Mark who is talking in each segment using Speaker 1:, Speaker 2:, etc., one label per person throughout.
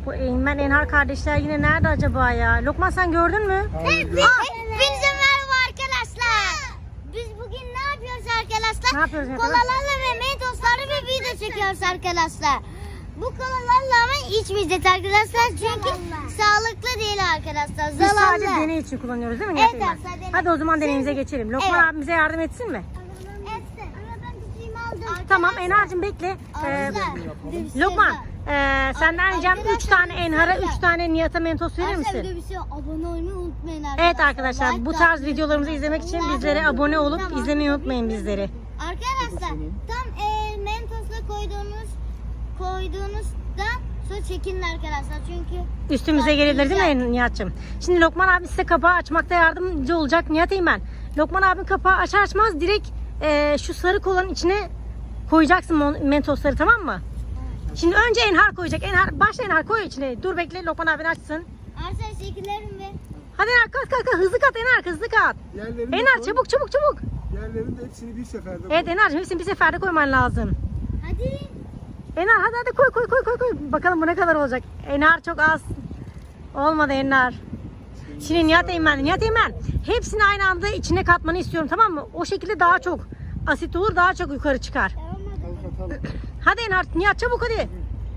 Speaker 1: Bu Eymen Enhar kardeşler yine nerede acaba ya? Lokman sen gördün mü?
Speaker 2: Hepinize merhaba arkadaşlar. Biz bugün ne yapıyoruz arkadaşlar?
Speaker 1: Ne yapıyoruz arkadaşlar?
Speaker 2: Kolalarla ve mentoslarla bir video çekiyoruz arkadaşlar. Bu kolalarla ama içmeyeceğiz arkadaşlar. Çünkü sağlıklı değil arkadaşlar.
Speaker 1: Biz
Speaker 2: Zararlı.
Speaker 1: sadece deney için kullanıyoruz değil mi?
Speaker 2: Evet,
Speaker 1: Eymen?
Speaker 2: sadece deney.
Speaker 1: Hadi o zaman deneyimize geçelim. Lokman
Speaker 2: Evet.
Speaker 1: abimize yardım etsin mi?
Speaker 2: Etsin. Ama ben tutayım aldım.
Speaker 1: Tamam Enhar'cığım bekle.
Speaker 2: Arkadaşlar.
Speaker 1: Lokman senden ricam 3 tane Enhar'a 3 tane Nihat'a mentos verir
Speaker 2: Arkadaşlar
Speaker 1: misin?
Speaker 2: bir şey abone olmayı unutmayın arkadaşlar.
Speaker 1: Evet arkadaşlar bu tarz videolarımızı izlemek için bizlere abone olup izlemeyi unutmayın bizleri.
Speaker 2: Arkadaşlar tam mentosla koyduğunuzdan sonra çekinin arkadaşlar çünkü
Speaker 1: Üstümüze gelebilir değil mi Nihat'cığım? Şimdi Lokman abi size kapağı açmakta yardımcı olacak Nihat Eymen. Lokman abinin kapağı açar açmaz direkt şu sarı kolanın içine koyacaksın mentosları, tamam mı? Şimdi önce Enhar koyacak. Enhar, başla Enhar, koy içine. Dur bekle Lokman abin açsın.
Speaker 2: arkadaşlar şekillerim ve
Speaker 1: Hadi Enhar kat hızlı kat Enhar, hızlı kat.
Speaker 3: Yerlerini
Speaker 1: Enhar
Speaker 3: koy.
Speaker 1: çabuk.
Speaker 3: Yerlerini de hepsini bir seferde koy.
Speaker 1: Evet Enhar'cığım hepsini bir seferde koyman lazım.
Speaker 2: hadi
Speaker 1: Enhar hadi koy. Bakalım bu ne kadar olacak. Enhar çok az. Olmadı Enhar. Şimdi Nihat Eymen hepsini aynı anda içine katmanı istiyorum, tamam mı? O şekilde daha çok asit olur, daha çok yukarı çıkar.
Speaker 3: Katalım.
Speaker 1: Hadi Enhar, Nihat çabuk hadi.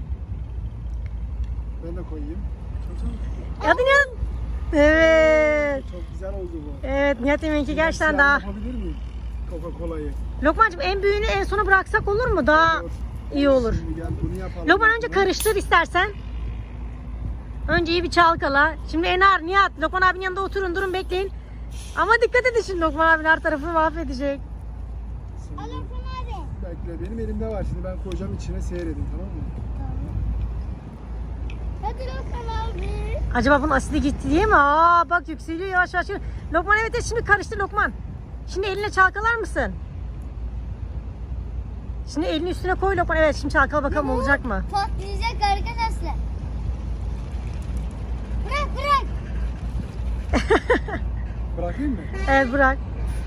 Speaker 3: Ben de koyayım.
Speaker 1: Hadi Nihat. Evet.
Speaker 3: Çok güzel oldu bu.
Speaker 1: Evet Nihat Eymen'inki gerçekten
Speaker 3: Siyah
Speaker 1: daha.
Speaker 3: Yapabilir miyim? Coca-Cola'yı.
Speaker 1: Lokmancığım en büyüğünü en sona bıraksak olur mu? Daha iyi olur.
Speaker 3: Şimdi gel bunu yapalım.
Speaker 1: Lokman önce karıştır istersen. Önce iyi bir çalkala. Şimdi Enhar, Nihat, Lokman abinin yanında oturun, durun bekleyin. Ama dikkat edin şimdi Lokman abinin her tarafını mahvedecek.
Speaker 3: Şimdi
Speaker 2: hadi.
Speaker 3: bekle, benim elimde var. Şimdi ben koyacağım, içine seyredin, tamam mı?
Speaker 2: Hadi Lokman abi.
Speaker 1: Acaba bunun asidi gitti diye mi? Aa bak yükseliyor yavaş. Lokman evet şimdi karıştır Lokman. Şimdi eline çalkalar mısın? Şimdi elini üstüne koy Lokman. Evet şimdi çalkala bakalım olacak mı?
Speaker 2: Patlayacak arkadaşlar. Bırak.
Speaker 3: Bırakayım mı?
Speaker 1: Evet bırak.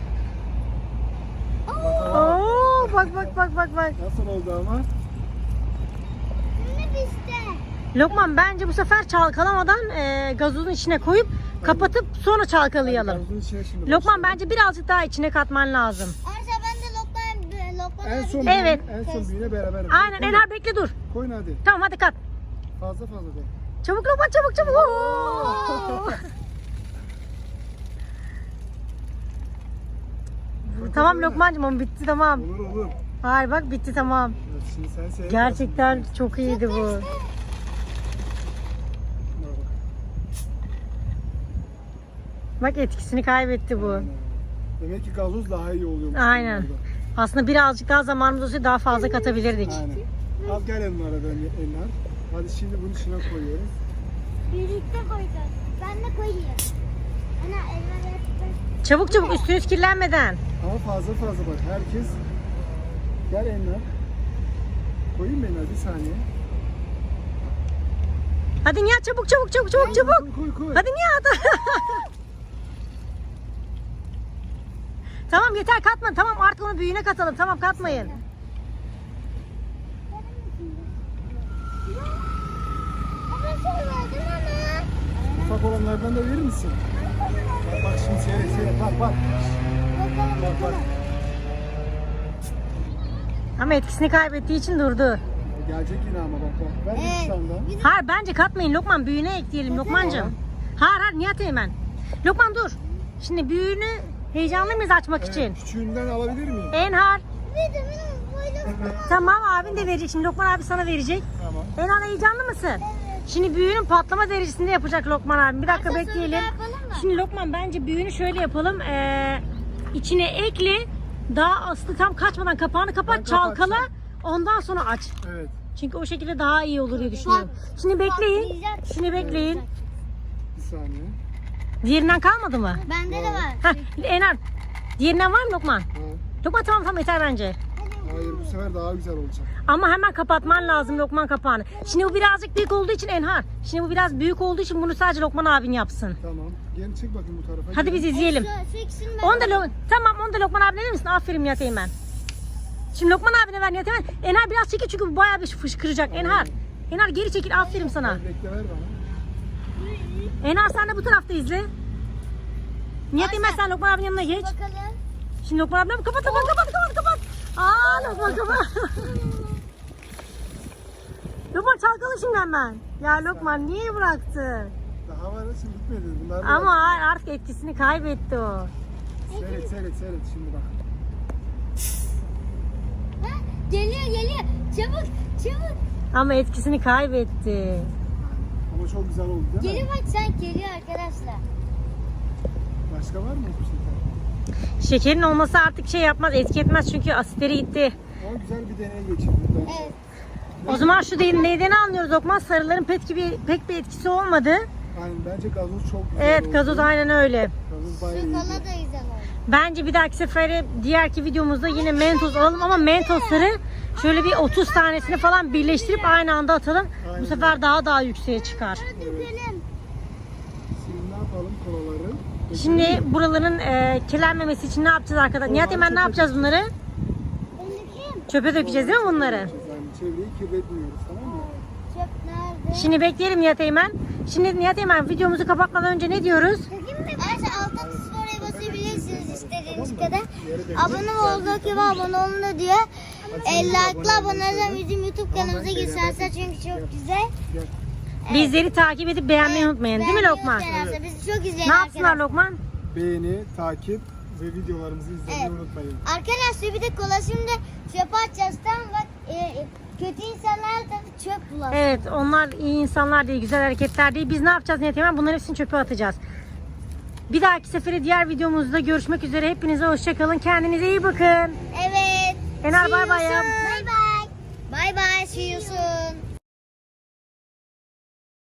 Speaker 3: Bakalım.
Speaker 1: Oo bak.
Speaker 3: Nasıl oldu ama?
Speaker 2: Şimdi bizde.
Speaker 1: Lokman bence bu sefer çalkalamadan gazozun içine koyup kapatıp sonra çalkalayalım.
Speaker 3: Gazozun içine şimdi
Speaker 1: Lokman
Speaker 3: başlayalım.
Speaker 1: bence birazcık daha içine katman lazım.
Speaker 2: Arkadaşlar ben de Lokman
Speaker 3: En son
Speaker 1: Evet.
Speaker 3: büyüğüne, en son büyüğüne beraber.
Speaker 1: Aynen
Speaker 3: Koyun.
Speaker 1: Enhar bekle dur.
Speaker 3: Koyun hadi.
Speaker 1: Tamam hadi kat.
Speaker 3: Fazla de.
Speaker 1: Çabuk Lokman çabuk. Oo! Tamam Lokmancığım ama bitti tamam.
Speaker 3: Olur.
Speaker 1: Hayır bak bitti tamam.
Speaker 3: Evet, şimdi sen seyret.
Speaker 1: Gerçekten çok iyiydi bu.
Speaker 3: Bak.
Speaker 1: Bak etkisini kaybetti bu.
Speaker 3: Demek ki gazoz daha iyi oluyor.
Speaker 1: Aynen. Aslında birazcık daha zamanımız olsaydı daha fazla katabilirdik.
Speaker 3: Aynen. Al gel Enlar'a Enlar. Hadi şimdi bunun içine koyuyoruz.
Speaker 2: birlikte koyacağız. Ben de koyayım. Ana elma yaptım.
Speaker 1: Çabuk üstünüz kirlenmeden.
Speaker 3: Ama fazla bak. Herkes gel Enlar. Koyayım mı Enlar bir saniye?
Speaker 1: Hadi Nihat çabuk.
Speaker 3: Koy.
Speaker 1: Hadi Nihat. Tamam yeter katma. Tamam artık onu büyüğüne katalım. Tamam katmayın.
Speaker 2: Ama söyledim ama.
Speaker 3: Ufak olanlardan da verir misin? Bak şimdi seyret. Bak. Bak.
Speaker 1: Ama etkisini kaybettiği için durdu.
Speaker 3: Gelecek yine ama bak. Ver
Speaker 2: Evet.
Speaker 3: bir tane daha.
Speaker 1: Hayır bence katmayın Lokman, büyüğüne ekleyelim Lokmancığım. Hayır Nihat Eymen. Lokman dur. Şimdi büyüğünü heyecanlı mıyız açmak için?
Speaker 3: Küçüğünden alabilir miyim?
Speaker 1: Enhar.
Speaker 2: Benim koydum.
Speaker 1: Tamam abin de verecek. Şimdi Lokman abi sana verecek.
Speaker 3: Tamam.
Speaker 1: Enhar heyecanlı mısın? Şimdi büyüğünün patlama derecesinde yapacak Lokman abi. Bir dakika
Speaker 2: Arkadaşlar,
Speaker 1: bekleyelim.
Speaker 2: bir daha yapalım mı?
Speaker 1: Şimdi Lokman bence büyüğünü şöyle yapalım. İçine ekle. Daha aslı tam kaçmadan kapağını kapat,
Speaker 3: Ben
Speaker 1: çalkala.
Speaker 3: kapatacağım.
Speaker 1: Ondan sonra aç.
Speaker 3: Evet.
Speaker 1: Çünkü o şekilde daha iyi olur diye düşünüyorum. Şimdi bekleyin.
Speaker 2: Patlayacak.
Speaker 1: Şimdi bekleyin.
Speaker 3: Bir saniye.
Speaker 1: Diğerinden kalmadı mı?
Speaker 2: Bende de var.
Speaker 1: Heh, Enhar. Diğerinden var mı Lokman?
Speaker 3: Ha.
Speaker 1: Lokman tamam yeter bence.
Speaker 3: Hayır bu sefer daha güzel olacak.
Speaker 1: Ama hemen kapatman lazım Lokman kapağını. Şimdi bu birazcık büyük olduğu için Enhar. Şimdi bu biraz büyük olduğu için bunu sadece Lokman abin yapsın.
Speaker 3: Tamam. Gel çek bakayım bu tarafa.
Speaker 1: Hadi biz izleyelim.
Speaker 2: Şu ikisini ben
Speaker 1: Onu da tamam onu da Lokman abine verir misin? Aferin Nihat Eymen. Şimdi Lokman abine ver Nihat Eymen. Enhar biraz çekil çünkü bu bayağı bir fışkıracak. Enhar Enar geri çekil, aferin sana.
Speaker 3: Bekle ver bana.
Speaker 1: Enar sen de bu tarafta izle. Nihat Eymen sen Lokman abinin yanına geç.
Speaker 2: Bakalım.
Speaker 1: Şimdi Lokman abinin kapat. Aa Lokman kapat. Lokman çalkalı şimdi hemen. Ya Lokman niye bıraktı?
Speaker 3: Daha var ya, şimdi bitmedi. Bunlar da
Speaker 1: Ama artık etkisini kaybetti o.
Speaker 3: Seyret şimdi bak.
Speaker 2: Ha, geliyor. Çabuk.
Speaker 1: Ama etkisini kaybetti.
Speaker 3: Ama çok güzel oldu değil mi?
Speaker 2: Geliyor bak sen geliyor arkadaşlar.
Speaker 3: Başka var mı bir şey?
Speaker 1: Şekerin olması artık şey yapmaz, etki etmez çünkü asitleri gitti.
Speaker 3: Ama güzel bir deney geçirdik bence.
Speaker 2: Evet.
Speaker 1: O zaman şu neyden anlıyoruz Lokman? Sarıların pek bir etkisi olmadı.
Speaker 3: Aynen, bence gazoz çok güzel
Speaker 1: Evet
Speaker 3: oldu.
Speaker 1: gazoz aynen öyle.
Speaker 3: Gazoz bayağı
Speaker 2: Şu
Speaker 3: iyiydi.
Speaker 2: kola da güzel oldu.
Speaker 1: Bence bir dahaki sefere diğerki videomuzda yine mentos alalım ama mentosları şöyle bir 30 tanesini falan birleştirip aynı anda atalım. Bu sefer daha yükseğe çıkar.
Speaker 2: Dökelim.
Speaker 3: Şimdi ne yapalım kolaları?
Speaker 1: Şimdi buraların kirlenmemesi için ne yapacağız arkadaşlar? Nihat Eymen ne yapacağız bunları?
Speaker 2: Ben dökeyim.
Speaker 1: Çöpe dökeceğiz değil mi bunları?
Speaker 3: Yani çevreyi kirletmiyoruz, tamam mı?
Speaker 2: Çöp nerede?
Speaker 1: Şimdi bekleyelim Nihat Eymen. Şimdi Nihat Eymen videomuzu kapatmadan önce ne diyoruz?
Speaker 2: Dökeyim mi? Arkadaşlar alttan oraya basabilirsiniz istediğiniz kadar. Abone olduk gibi abone olun da diyor. Like'la abone olun bizim YouTube kanalımıza girsenler çünkü çok güzel.
Speaker 3: Gel.
Speaker 1: Bizleri takip edip beğenmeyi unutmayın değil mi Lokman?
Speaker 2: Evet. Bizi çok izleyin
Speaker 1: Ne yapsınlar
Speaker 2: arkadaşlar.
Speaker 1: Lokman?
Speaker 3: Beğeni, takip ve videolarımızı izlemeyi
Speaker 2: Evet.
Speaker 3: unutmayın.
Speaker 2: Arkadaşlar bir de kola şimdi çöpe atacağız. Tamam bak kötü insanlar da çöp bulalım.
Speaker 1: Evet onlar iyi insanlar değil, güzel hareketler değil. Biz ne yapacağız Nihat Eymen? Bunların hepsini çöpe atacağız. Bir dahaki sefere diğer videomuzda görüşmek üzere. Hepinize hoşçakalın. Kendinize iyi bakın.
Speaker 2: Evet.
Speaker 1: Enar bay bay ya.
Speaker 2: Bye bye. Bye bye. See you soon.